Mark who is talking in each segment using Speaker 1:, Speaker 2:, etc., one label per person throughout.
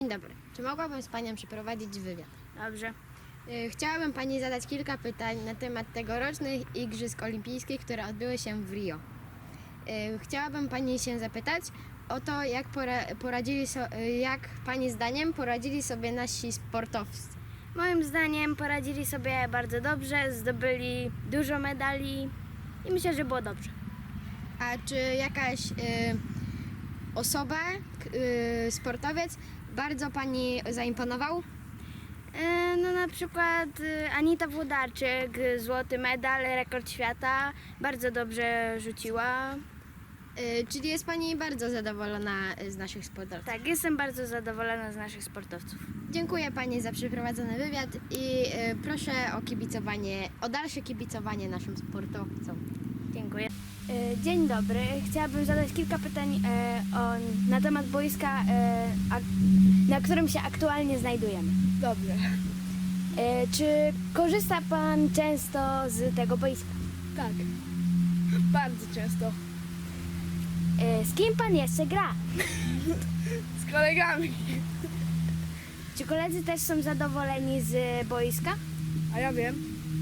Speaker 1: dobry. Czy mogłabym z Panią przeprowadzić wywiad?
Speaker 2: Dobrze.
Speaker 1: Chciałabym Pani zadać kilka pytań na temat tegorocznych Igrzysk Olimpijskich, które odbyły się w Rio. Chciałabym Pani się zapytać o to, jak Pani zdaniem poradzili sobie nasi sportowcy.
Speaker 2: Moim zdaniem poradzili sobie bardzo dobrze, zdobyli dużo medali i myślę, że było dobrze.
Speaker 1: A czy jakaś osoba, sportowiec bardzo Pani zaimponował?
Speaker 2: No na przykład Anita Włodarczyk, złoty medal, rekord świata, bardzo dobrze rzuciła.
Speaker 1: Czyli jest Pani bardzo zadowolona z naszych sportowców?
Speaker 2: Tak, jestem bardzo zadowolona z naszych sportowców.
Speaker 1: Dziękuję Pani za przeprowadzony wywiad i proszę o dalsze kibicowanie naszym sportowcom.
Speaker 2: Dziękuję. Dzień dobry. Chciałabym zadać kilka pytań na temat boiska, na którym się aktualnie znajdujemy.
Speaker 1: Dobrze.
Speaker 2: Czy korzysta Pan często z tego boiska?
Speaker 3: Tak, bardzo często.
Speaker 2: Z kim Pan jeszcze gra?
Speaker 3: Z kolegami.
Speaker 2: Czy koledzy też są zadowoleni z boiska?
Speaker 3: A ja wiem.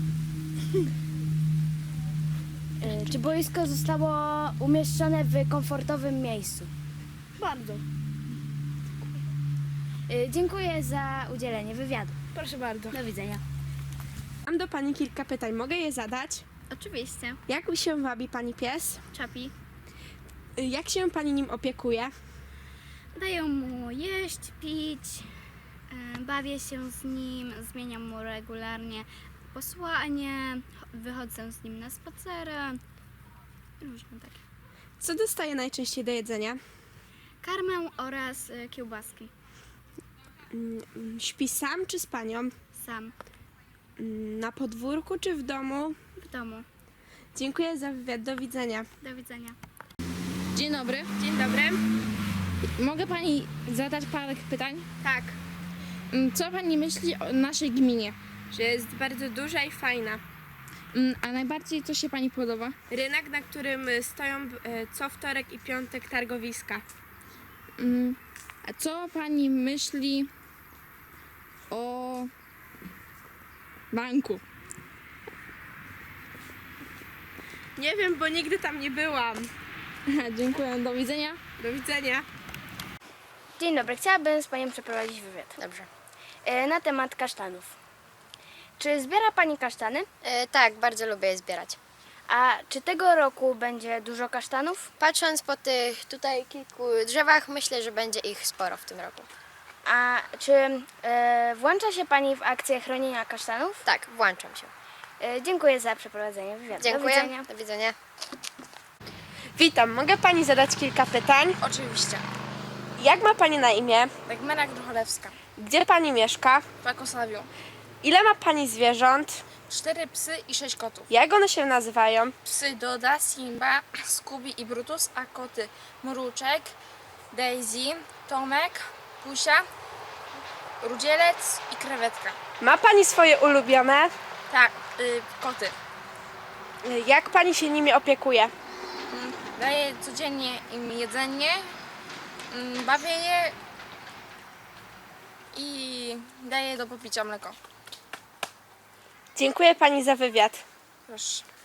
Speaker 2: Czy boisko zostało umieszczone w komfortowym miejscu?
Speaker 3: Bardzo.
Speaker 2: Dziękuję za udzielenie wywiadu.
Speaker 3: Proszę bardzo.
Speaker 2: Do widzenia.
Speaker 4: Mam do Pani kilka pytań. Mogę je zadać?
Speaker 2: Oczywiście.
Speaker 4: Jak się wabi Pani pies?
Speaker 2: Czapi.
Speaker 4: Jak się Pani nim opiekuje?
Speaker 2: Daję mu jeść, pić, bawię się z nim, zmieniam mu regularnie posłanie, wychodzę z nim na spacery, różne takie.
Speaker 4: Co dostaje najczęściej do jedzenia?
Speaker 2: Karmę oraz kiełbaski.
Speaker 4: Śpi sam czy z Panią?
Speaker 2: Sam,
Speaker 4: Na podwórku czy w domu?
Speaker 2: w domu.
Speaker 4: Dziękuję za wywiad. Do widzenia.
Speaker 2: Do widzenia.
Speaker 5: Dzień dobry.
Speaker 4: Dzień dobry.
Speaker 5: Mogę Pani zadać parę pytań?
Speaker 4: Tak,
Speaker 5: Co Pani myśli o naszej gminie?
Speaker 4: że jest bardzo duża i fajna.
Speaker 5: A najbardziej co się Pani podoba?
Speaker 4: Rynek, na którym stoją co wtorek i piątek targowiska.
Speaker 5: A co Pani myśli o banku?
Speaker 4: Nie wiem, bo nigdy tam nie byłam.
Speaker 5: Dziękuję, do widzenia.
Speaker 4: Do widzenia.
Speaker 2: Dzień dobry, chciałabym z Panią przeprowadzić wywiad.
Speaker 1: Dobrze.
Speaker 2: Na temat kasztanów. Czy zbiera Pani kasztany?
Speaker 1: Tak, bardzo lubię je zbierać.
Speaker 2: A czy tego roku będzie dużo kasztanów?
Speaker 1: Patrząc po tych tutaj kilku drzewach, myślę, że będzie ich sporo w tym roku.
Speaker 2: A czy włącza się Pani w akcję chronienia kasztanów?
Speaker 1: Tak, włączam się.
Speaker 2: Dziękuję za przeprowadzenie wywiadu.
Speaker 1: Dziękuję.
Speaker 2: Do widzenia.
Speaker 1: Do widzenia.
Speaker 4: Witam. Mogę Pani zadać kilka pytań?
Speaker 3: Oczywiście.
Speaker 4: Jak ma Pani na imię?
Speaker 3: Dagmara Grucholewska.
Speaker 4: Gdzie Pani mieszka?
Speaker 3: W Pakosławiu.
Speaker 4: Ile ma Pani zwierząt?
Speaker 3: 4 psy i 6 kotów.
Speaker 4: Jak one się nazywają?
Speaker 3: Psy Doda, Simba, Scooby i Brutus, a koty Mruczek, Daisy, Tomek, Pusia, Rudzielec i Krewetka.
Speaker 4: Ma Pani swoje ulubione?
Speaker 3: Tak, koty.
Speaker 4: Jak Pani się nimi opiekuje?
Speaker 3: Daję codziennie im jedzenie, bawię je i daję do popicia mleko.
Speaker 4: Dziękuję Pani za wywiad.
Speaker 3: Proszę.